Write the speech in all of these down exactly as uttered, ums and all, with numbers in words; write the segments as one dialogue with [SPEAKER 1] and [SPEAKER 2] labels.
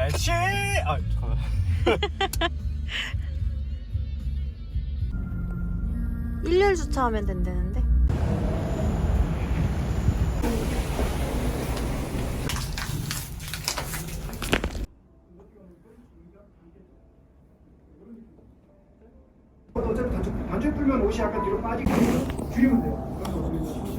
[SPEAKER 1] 날씨. 아 잠깐만.
[SPEAKER 2] 일렬 주차하면 된다는데?
[SPEAKER 3] 어차피 단축, 단축 풀면 옷이 약간 뒤로 빠지게 줄이면 돼요. 그래서 우리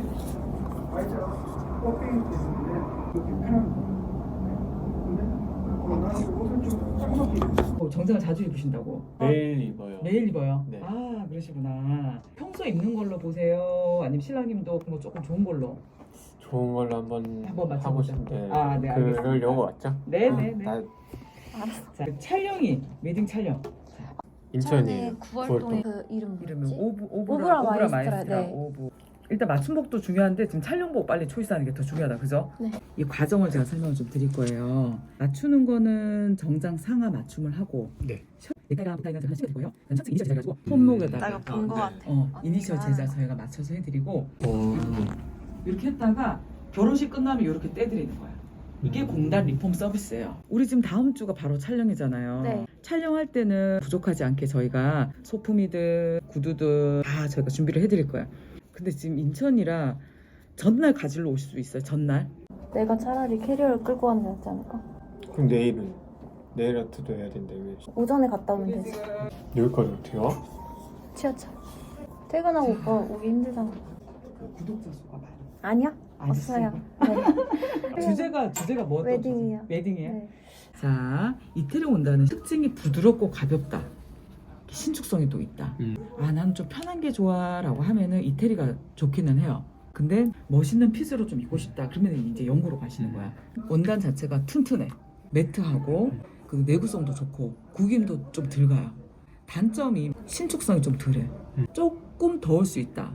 [SPEAKER 3] Y자가 꺾이기 때문에 이렇게 편한 거예요. 근데 나는 옷을 좀 쌍꺼풀
[SPEAKER 4] 어, 정장을 자주 입으신다고?
[SPEAKER 1] 매일 입어요.
[SPEAKER 4] 매일 입어요?
[SPEAKER 1] 네.
[SPEAKER 4] 아 그러시구나. 평소에 입는 걸로 보세요? 아니면 신랑님도 뭐 조금 좋은 걸로?
[SPEAKER 1] 좋은 걸로 한번
[SPEAKER 4] 한번
[SPEAKER 1] 하고
[SPEAKER 4] 맞춰보자.
[SPEAKER 1] 싶은데
[SPEAKER 4] 아, 네, 알겠습니다.
[SPEAKER 1] 그러려고 왔죠?
[SPEAKER 4] 네네네.
[SPEAKER 1] 나
[SPEAKER 4] 자, 그 촬영이 웨딩 촬영.
[SPEAKER 1] 인천이에요.
[SPEAKER 2] 구월동에 그 이름
[SPEAKER 4] 이름은
[SPEAKER 2] 뭐지?
[SPEAKER 4] 오브 오브라
[SPEAKER 2] 오브라
[SPEAKER 4] 오브라
[SPEAKER 2] 마이스트라,
[SPEAKER 4] 마이스트라
[SPEAKER 2] 네.
[SPEAKER 4] 오브. 일단 맞춤복도 중요한데 지금 촬영복 빨리 초이스하는 게 더 중요하다, 그죠?
[SPEAKER 2] 네.
[SPEAKER 4] 이 과정을 제가 설명을 좀 드릴 거예요. 맞추는 거는 정장 상하 맞춤을 하고.
[SPEAKER 1] 네.
[SPEAKER 4] 넥타이가 붙어 있는 제가 하시면 되고요. 첫째 이니셜 제작해가지고 손목에다가.
[SPEAKER 2] 나 이거 본 거
[SPEAKER 1] 네.
[SPEAKER 2] 같아.
[SPEAKER 4] 어 이니셜
[SPEAKER 2] 아.
[SPEAKER 4] 제작 저희가 맞춰서 해드리고
[SPEAKER 1] 오.
[SPEAKER 4] 이렇게 했다가 결혼식 끝나면 이렇게 떼드리는 거야. 이게
[SPEAKER 1] 음.
[SPEAKER 4] 공단 리폼 서비스예요. 우리 지금 다음 주가 바로 촬영이잖아요.
[SPEAKER 2] 네.
[SPEAKER 4] 촬영할 때는 부족하지 않게 저희가 소품이든 구두든 다 저희가 준비를 해드릴 거예요. 근데 지금 인천이라 전날 가지러 오실 수 있어요. 전날.
[SPEAKER 2] 내가 차라리 캐리어를 끌고 가는 게 낫지 않을까?
[SPEAKER 1] 그럼 내일은 내일 아트도 해야 된다 왜?
[SPEAKER 2] 오전에 갔다 오면 되지.
[SPEAKER 1] 여기까지 어떻게 와?
[SPEAKER 2] 지하철. 퇴근하고 오빠 오기 힘들잖아.
[SPEAKER 4] 그 구독자 수가 많아.
[SPEAKER 2] 아니야?
[SPEAKER 4] 아저씨.
[SPEAKER 2] 없어요. 네.
[SPEAKER 4] 주제가 주제가 뭐?
[SPEAKER 2] 웨딩이요.
[SPEAKER 4] 웨딩이에요.
[SPEAKER 2] 네.
[SPEAKER 4] 자, 이태리 온다는 특징이 부드럽고 가볍다. 신축성이 또 있다.
[SPEAKER 1] 음.
[SPEAKER 4] 아, 나는 좀 편한 게 좋아라고 하면은 이태리가 좋기는 해요. 근데 멋있는 핏으로 좀 입고 싶다. 그러면 이제 영구로 가시는 거야. 원단 자체가 튼튼해. 매트하고 그 내구성도 좋고 구김도 좀 덜 가요. 단점이 신축성이 좀 덜해.
[SPEAKER 1] 음.
[SPEAKER 4] 조금 더울 수 있다.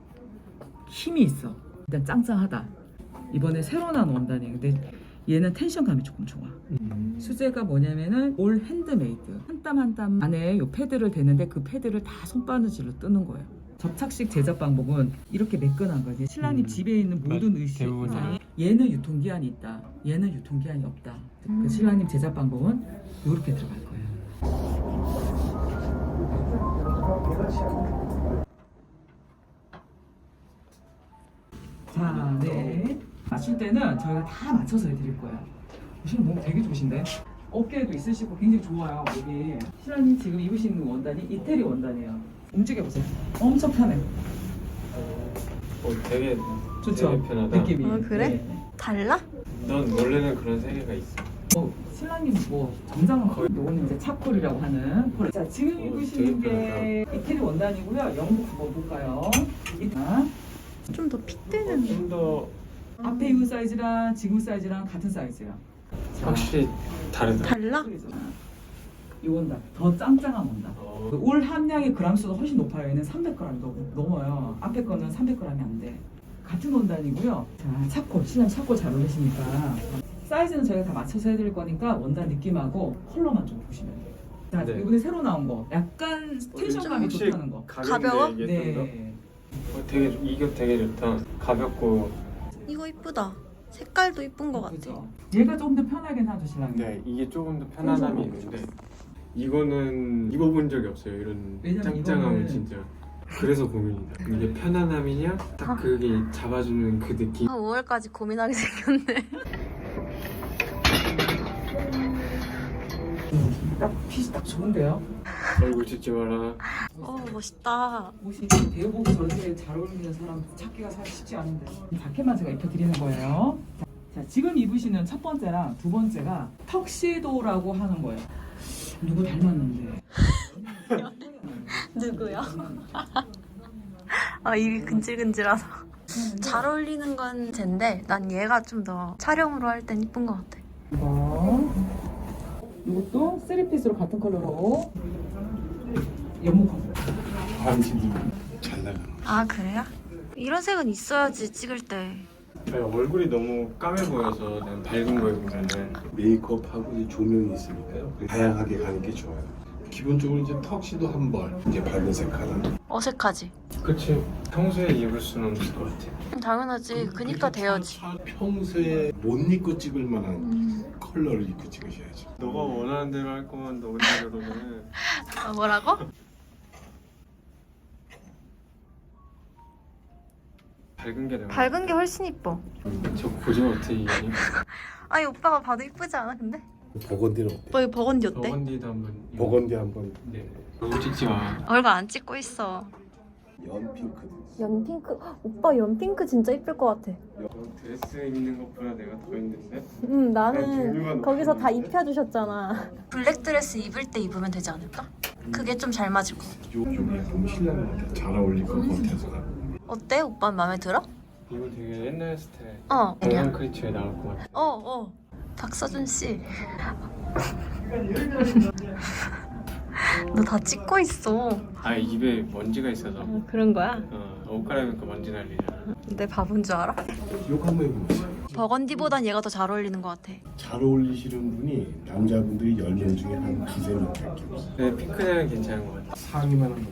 [SPEAKER 4] 힘이 있어. 일단 짱짱하다. 이번에 새로 나온 원단이에요. 근데 얘는 텐션감이 조금 좋아.
[SPEAKER 1] 음.
[SPEAKER 4] 수제가 뭐냐면은 올 핸드메이드. 한 땀 한 땀 안에 요 패드를 대는데 그 패드를 다 손바느질로 뜨는 거예요. 접착식 제작 방법은 이렇게 매끈한 거지. 신랑님
[SPEAKER 1] 음.
[SPEAKER 4] 집에 있는 모든
[SPEAKER 1] 맞-
[SPEAKER 4] 의식.
[SPEAKER 1] 대부분이.
[SPEAKER 4] 얘는 유통기한이 있다. 얘는 유통기한이 없다.
[SPEAKER 2] 음.
[SPEAKER 4] 그 신랑님 제작 방법은 이렇게 들어갈 거예요. 자, 네. 맞출 때는 저희가 다 맞춰서 해드릴 거예요. 보시면 몸 되게 좋으신데? 어깨에도 있으시고 굉장히 좋아요, 목이. 신랑님 지금 입으시는 원단이 이태리 원단이에요. 움직여보세요. 엄청 편해.
[SPEAKER 1] 어, 되게
[SPEAKER 4] 좋죠?
[SPEAKER 1] 되게 편하다.
[SPEAKER 4] 느낌이.
[SPEAKER 2] 어, 그래?
[SPEAKER 4] 네.
[SPEAKER 2] 달라?
[SPEAKER 1] 넌 원래는 그런 세계가 있어.
[SPEAKER 4] 뭐, 신랑님 뭐, 정장은 거의, 요거는 이제 차콜이라고 하는 폴. 자, 지금
[SPEAKER 1] 어,
[SPEAKER 4] 입으시는
[SPEAKER 1] 되게
[SPEAKER 4] 게 이태리 원단이고요. 영국 한번 볼까요? 자,
[SPEAKER 2] 좀 더 핏되는.
[SPEAKER 1] 좀 더
[SPEAKER 4] 앞에 입은 사이즈랑 지금 사이즈랑 같은 사이즈야. 자,
[SPEAKER 1] 확실히 다르다.
[SPEAKER 2] 달라?
[SPEAKER 4] 이 원단 더 짱짱한 원단.
[SPEAKER 1] 어.
[SPEAKER 4] 그올 함량의 그람수가 훨씬 높아요. 얘는 삼백 그램 넘- 넘어요. 앞에 거는 삼백 그램이 안 돼. 같은 원단이고요. 자, 차콜, 신랑 차콜 잘 어울리시니까 사이즈는 저희가 다 맞춰서 해드릴 거니까 원단 느낌하고 컬러만 좀 보시면 돼요. 자,
[SPEAKER 1] 네.
[SPEAKER 4] 이번에 새로 나온 거 약간 텐션감이
[SPEAKER 1] 확실히
[SPEAKER 4] 좋다는 거.
[SPEAKER 2] 가벼워?
[SPEAKER 1] 가벼운데 이게 좀 더?
[SPEAKER 4] 네.
[SPEAKER 1] 어, 되게 이거 되게 좋다. 가볍고.
[SPEAKER 2] 이거 이쁘다. 색깔도 이쁜 거 같아.
[SPEAKER 4] 그죠? 얘가 조금 더 편하긴 하죠, 신랑님.
[SPEAKER 1] 네, 이게 조금 더 편안함이 있는데 이거는 입어본 적이 없어요. 이런
[SPEAKER 4] 왜냐면
[SPEAKER 1] 짱짱함을
[SPEAKER 4] 이거는-
[SPEAKER 1] 진짜. 그래서 고민이다. 이게 편안함이냐? 딱
[SPEAKER 2] 아.
[SPEAKER 1] 그게 잡아주는 그 느낌.
[SPEAKER 2] 아, 오월까지 고민하게 생겼네.
[SPEAKER 4] 딱 핏이 딱 좋은데요?
[SPEAKER 1] 얼굴 찍지 마라.
[SPEAKER 2] 어, 멋있다.
[SPEAKER 4] 옷이 대여복이 저렇게 잘 어울리는 사람 찾기가 사실 쉽지 않은데 자켓만 제가 입혀드리는 거예요. 자, 자, 지금 입으시는 첫 번째랑 두 번째가 턱시도라고 하는 거예요. 누구 닮았는데?
[SPEAKER 2] 누구요? 아, 입이 근질근질하다. 잘 어울리는 건 쟤인데 난 얘가 좀 더 촬영으로 할 땐 이쁜 것 같아.
[SPEAKER 4] 이거 이것도 쓰리피스로 같은 컬러로 연목 컬러.
[SPEAKER 1] 반지도 잘 나가.
[SPEAKER 2] 아, 그래요? 이런 색은 있어야지 찍을 때.
[SPEAKER 1] 얼굴이 너무 까매 보여서 난 밝은 거 입으면은
[SPEAKER 5] 메이크업하고 이 조명이 있으니까요. 다양하게 가는 게 좋아요. 기본적으로 이제 턱시도 한 벌, 이제 밝은색 하나.
[SPEAKER 2] 어색하지?
[SPEAKER 1] 그치. 평소에 입을 수는 없을 것 같아.
[SPEAKER 2] 음, 당연하지. 그니까 돼야지.
[SPEAKER 5] 차- 평소에 못 입고 찍을 만한
[SPEAKER 2] 음.
[SPEAKER 5] 컬러를 입고 찍으셔야죠.
[SPEAKER 1] 너가 원하는 대로 할 거면 너 원대로는
[SPEAKER 2] 아, 뭐라고?
[SPEAKER 1] 밝은 게 나아.
[SPEAKER 2] 밝은 게 훨씬 이뻐.
[SPEAKER 1] 저 고정 어떻게 이기니?
[SPEAKER 2] 아니 오빠가 봐도 이쁘지 않아 근데?
[SPEAKER 5] 버건디는 어때?
[SPEAKER 2] 오빠 이거 버건디 어때?
[SPEAKER 1] 버건디도 한번. 입어.
[SPEAKER 5] 버건디 한번.
[SPEAKER 1] 네. 너무 찍지 마.
[SPEAKER 2] 얼굴 안 찍고 있어.
[SPEAKER 5] 연 핑크.
[SPEAKER 2] 연핑크. 오빠 연핑크 진짜 이쁠 것 같아.
[SPEAKER 1] 드레스 입는 것보다 내가 더 힘든데?
[SPEAKER 2] 응
[SPEAKER 1] 난 종류가
[SPEAKER 2] 나는
[SPEAKER 1] 너무
[SPEAKER 2] 거기서 다
[SPEAKER 1] 많은데?
[SPEAKER 2] 입혀주셨잖아. 블랙 드레스 입을 때 입으면 되지 않을까? 그게 좀 잘 맞을 것 같아.
[SPEAKER 5] 요 쪽에 약간 신랑한테 잘 어울릴 것 같아서.
[SPEAKER 2] 어때? 오빠 마음에 들어?
[SPEAKER 1] 이거 되게 옛날 스타일.
[SPEAKER 2] 어.
[SPEAKER 1] 동양 크리처에 나올 것 같아.
[SPEAKER 2] 어 어. 박서준 씨. 너 다 찍고 있어.
[SPEAKER 1] 아 입에 먼지가 있어서.
[SPEAKER 2] 그런 거야?
[SPEAKER 1] 어, 옷 갈아입으니까 먼지 날리잖아.
[SPEAKER 2] 내 바본 줄 알아?
[SPEAKER 5] 요거 한번 해보세요.
[SPEAKER 2] 버건디보단 얘가 더 잘 어울리는 것 같아.
[SPEAKER 5] 잘 어울리시는 분이 남자분들이 열 명 중에 한 두세 명밖에 없어요.
[SPEAKER 1] 근데 핑크색은 괜찮은 것 같아.
[SPEAKER 5] 상의만 한번.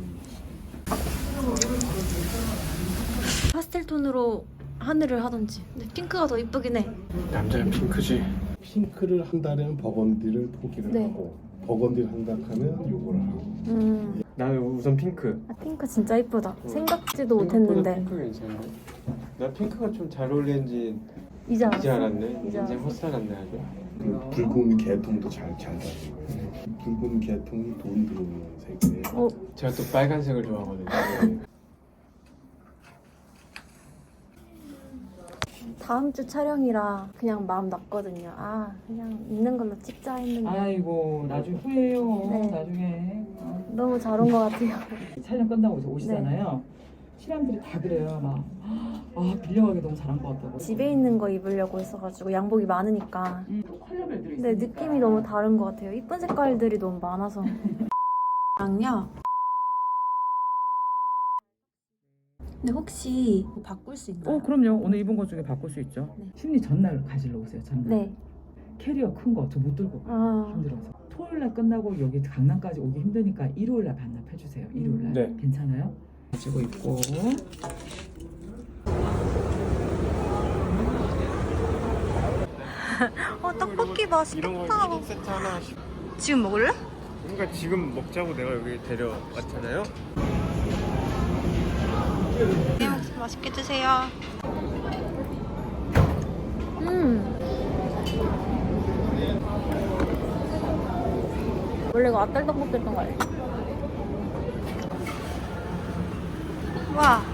[SPEAKER 2] 파스텔 톤으로 하늘을 하던지. 근데 핑크가 더 이쁘긴 해.
[SPEAKER 1] 남자는 핑크지.
[SPEAKER 5] 핑크를 한다면 버건디를 포기를
[SPEAKER 2] 네.
[SPEAKER 5] 하고 버건디를 한다 하면 요거를 하고.
[SPEAKER 2] 음.
[SPEAKER 1] 나는 우선 핑크.
[SPEAKER 2] 아, 핑크 진짜 이쁘다. 생각지도
[SPEAKER 1] 생각보다
[SPEAKER 2] 못했는데.
[SPEAKER 1] 핑크 괜찮네. 나 핑크가 좀 잘 어울리는지
[SPEAKER 2] 이제 알았어.
[SPEAKER 1] 이제 알았네.
[SPEAKER 2] 이제
[SPEAKER 1] 이제
[SPEAKER 2] 알았어.
[SPEAKER 1] 헛살았네 아주.
[SPEAKER 5] 그 붉은 개통도 잘 잘 가지고 거예요. 붉은 개통이 돈 들어오는 색이에요.
[SPEAKER 2] 어,
[SPEAKER 1] 제가 또 빨간색을 좋아하거든요.
[SPEAKER 2] 다음 주 촬영이라 그냥 마음 났거든요. 아, 그냥 있는 걸로 찍자 했는데
[SPEAKER 4] 아이고 나중에 후회해요.
[SPEAKER 2] 네.
[SPEAKER 4] 나중에 어.
[SPEAKER 2] 너무 잘 온 것 같아요.
[SPEAKER 4] 촬영 끝나고 이제 오시잖아요. 신랑들이 다 그래요. 막 아 빌려가기 너무 잘한 것 같다고.
[SPEAKER 2] 집에 있는 거 입으려고 했어가지고 양복이 많으니까.
[SPEAKER 4] 음, 컬러별들이
[SPEAKER 2] 근데
[SPEAKER 4] 있으니까.
[SPEAKER 2] 느낌이 너무 다른 것 같아요. 이쁜 색깔들이 너무 많아서. 랑요. 근데 혹시 뭐 바꿀 수 있나요?
[SPEAKER 4] 어 그럼요. 오늘 입은 것 중에 바꿀 수 있죠.
[SPEAKER 2] 네.
[SPEAKER 4] 심리 전날 가지러 오세요. 전날.
[SPEAKER 2] 네.
[SPEAKER 4] 캐리어 큰 거 저 못 들고 가요.
[SPEAKER 2] 아,
[SPEAKER 4] 힘들어서. 토요일 날 끝나고 여기 강남까지 오기 힘드니까 일요일 날 반납해 주세요. 일요일 날.
[SPEAKER 1] 네.
[SPEAKER 4] 괜찮아요? 가지고 있고.
[SPEAKER 2] 어 떡볶이
[SPEAKER 1] 이런 거
[SPEAKER 2] 맛있겠다.
[SPEAKER 1] 일 인 세트 하나씩.
[SPEAKER 2] 지금 먹을래?
[SPEAKER 1] 그러니까 지금 먹자고 내가 여기 데려왔잖아요.
[SPEAKER 2] 네, 맛있게 드세요. 음. 원래 이거 앞달 떡볶이였던 거 알지? 와.